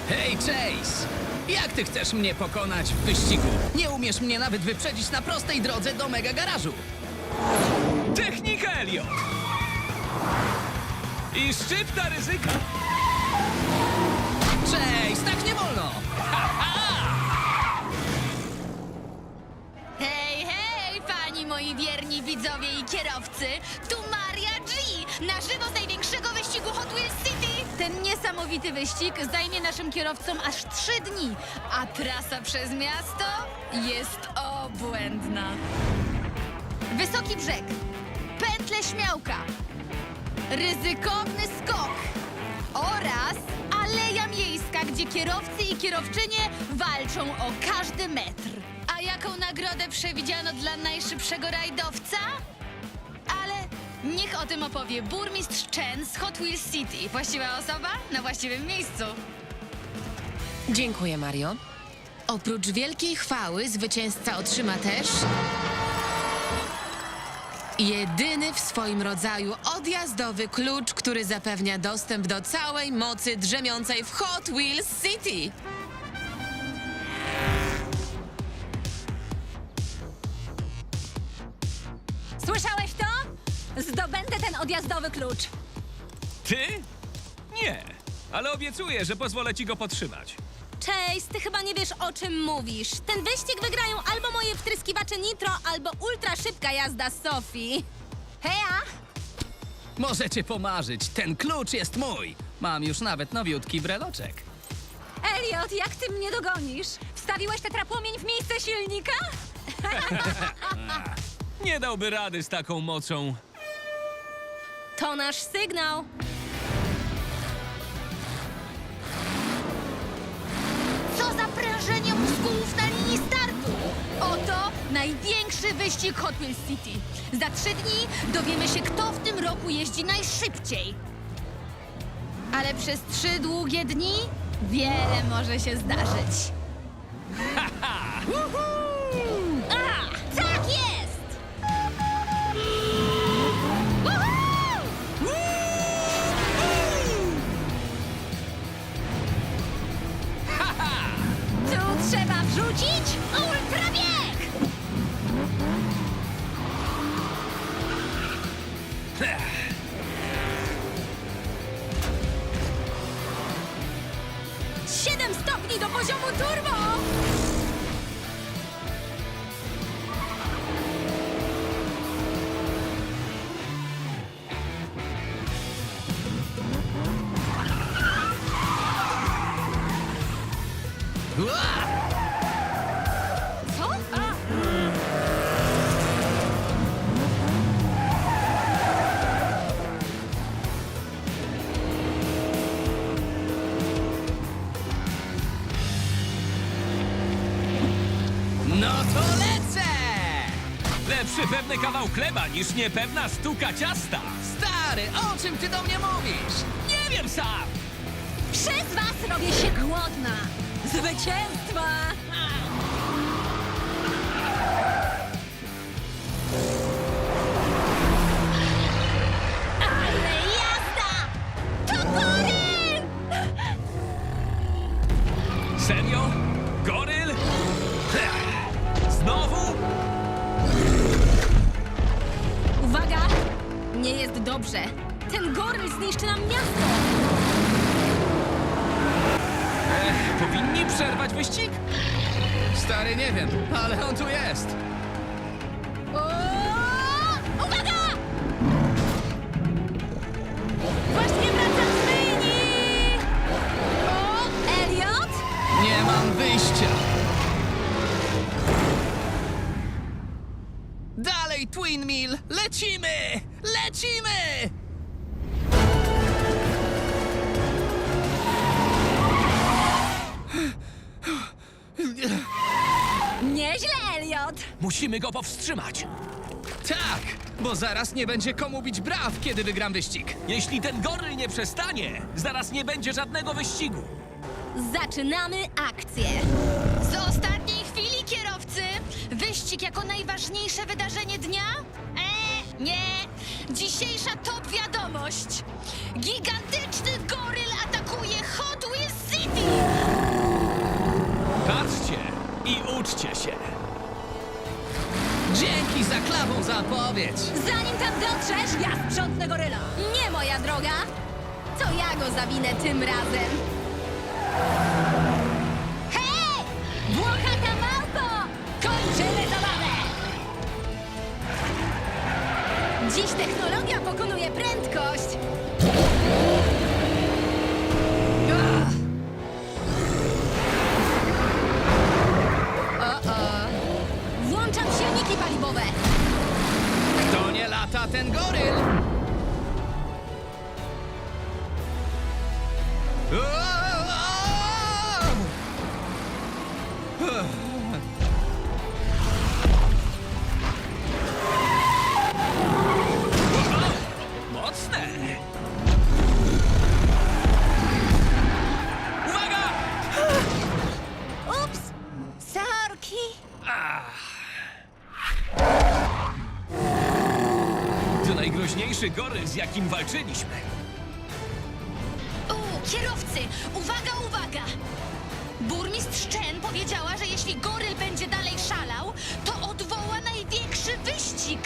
Hej, Chase! Jak ty chcesz mnie pokonać w wyścigu? Nie umiesz mnie nawet wyprzedzić na prostej drodze do mega garażu. Technika, Elliot! I szczypta ryzyka. Chase, tak nie wolno! Hej, hej, fani moi wierni widzowie i kierowcy! Tu Maria G! Na żywo z największego wyścigu Hot Wheels City! Ten niesamowity wyścig zajmie naszym kierowcom aż 3 dni, a trasa przez miasto jest obłędna. Wysoki brzeg, pętle śmiałka, ryzykowny skok oraz aleja miejska, gdzie kierowcy i kierowczynie walczą o każdy metr. A jaką nagrodę przewidziano dla najszybszego rajdowca? Ale niech o tym opowie burmistrz Chen z Hot Wheels City. Właściwa osoba na właściwym miejscu. Dziękuję, Mario. Oprócz wielkiej chwały zwycięzca otrzyma też jedyny w swoim rodzaju odjazdowy klucz, który zapewnia dostęp do całej mocy drzemiącej w Hot Wheels City. Słyszałeś to? Zdobędę ten odjazdowy klucz. Ty? Nie. Ale obiecuję, że pozwolę ci go podtrzymać. Chase, ty chyba nie wiesz, o czym mówisz. Ten wyścig wygrają albo moje wtryskiwacze nitro, albo ultra szybka jazda Sofii. Heja! Możecie pomarzyć, ten klucz jest mój. Mam już nawet nowiutki breloczek. Elliot, jak ty mnie dogonisz? Wstawiłeś tetrapłomień w miejsce silnika? Nie dałby rady z taką mocą. To nasz sygnał. Co za prężenie mózgów na linii startu! Oto największy wyścig Hot Wheels City. Za 3 dni dowiemy się, kto w tym roku jeździ najszybciej. Ale przez 3 długie dni wiele może się zdarzyć. A, tak jest! Woohoo! Tu trzeba wrzucić Ultrabieg! — 7 stopni do poziomu turbo! Ua! Co? No to lecę! Lepszy pewny kawał chleba niż niepewna sztuka ciasta. Stary, o czym ty do mnie mówisz? Nie wiem sam. Przez was robię się głodna! Zwycięstwa! Ale jazda! To Goryl! Serio? Goryl? Znowu? Uwaga! Nie jest dobrze. Ten goryl zniszczy nam miasto! Powinni przerwać wyścig? Stary, nie wiem, ale on tu jest. O! Uwaga! Właśnie wracam z myjni! O, Elliot? Nie mam wyjścia. Dalej, Twin Mill! Lecimy! Lecimy! Nieźle, Elliot! Musimy go powstrzymać. Tak, bo zaraz nie będzie komu bić braw, kiedy wygram wyścig. Jeśli ten goryl nie przestanie, zaraz nie będzie żadnego wyścigu. Zaczynamy akcję! Z ostatniej chwili, kierowcy! Wyścig jako najważniejsze wydarzenie dnia? Nie! Dzisiejsza top wiadomość! Gigantyczny goryl atakuje Hot Wheels City! Bawcie się! Dzięki za klawą zapowiedź! Zanim tam dotrzesz, ja sprzątnę goryla. Nie, moja droga. To ja go zawinę tym razem. Hej! Włochata małpo! Kończymy zabawę! Dziś technologia pokonuje prędkość. Włączam silniki paliwowe. To nie lata ten goryl! Mocne! Uwaga! Ups! Sorki! To najgroźniejszy goryl, z jakim walczyliśmy. Kierowcy, uwaga, uwaga! Burmistrz Chen powiedziała, że jeśli goryl będzie dalej szalał, to odwoła największy wyścig.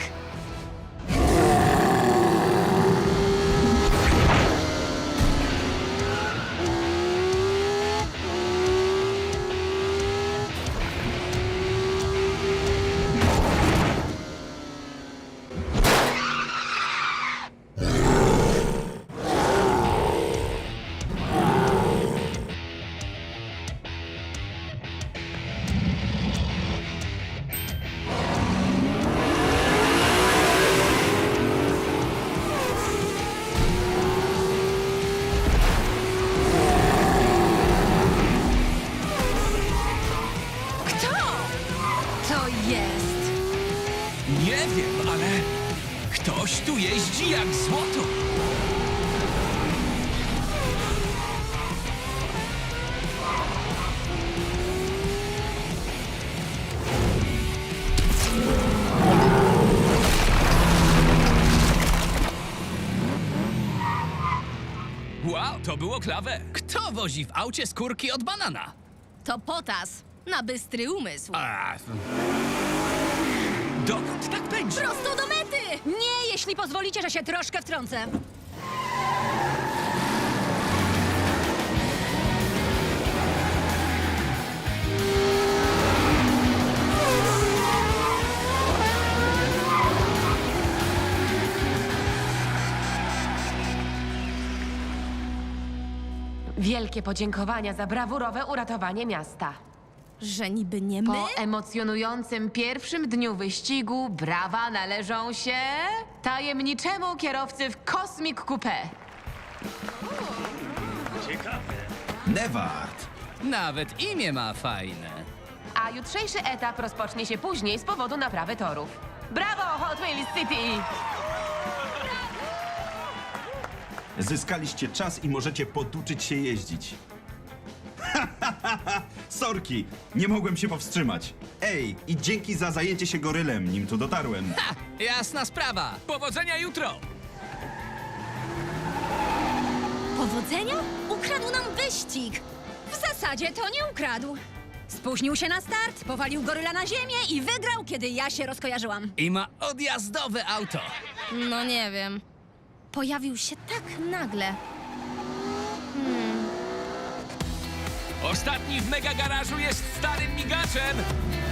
Kto to jest? Nie wiem, ale ktoś tu jeździ jak złoto. Wow, to było klawe. Kto wozi w aucie skórki od banana? To potas na bystry umysł. Dokąd tak pędzi? Prosto do mety! Nie, jeśli pozwolicie, że się troszkę wtrącę. Wielkie podziękowania za brawurowe uratowanie miasta. Że niby nie my? Po emocjonującym pierwszym dniu wyścigu brawa należą się tajemniczemu kierowcy w Cosmic Coupé. Nevard! Nawet imię ma fajne. A jutrzejszy etap rozpocznie się później z powodu naprawy torów. Brawo, Hot Wheels City! Zyskaliście czas i możecie poduczyć się jeździć. Sorki, nie mogłem się powstrzymać. Ej, i dzięki za zajęcie się gorylem, nim tu dotarłem. Ha! Jasna sprawa! Powodzenia jutro! Powodzenia? Ukradł nam wyścig. W zasadzie to nie ukradł. Spóźnił się na start, powalił goryla na ziemię i wygrał, kiedy ja się rozkojarzyłam. I ma odjazdowe auto. No nie wiem. Pojawił się tak nagle. Ostatni w mega garażu jest starym migaczem.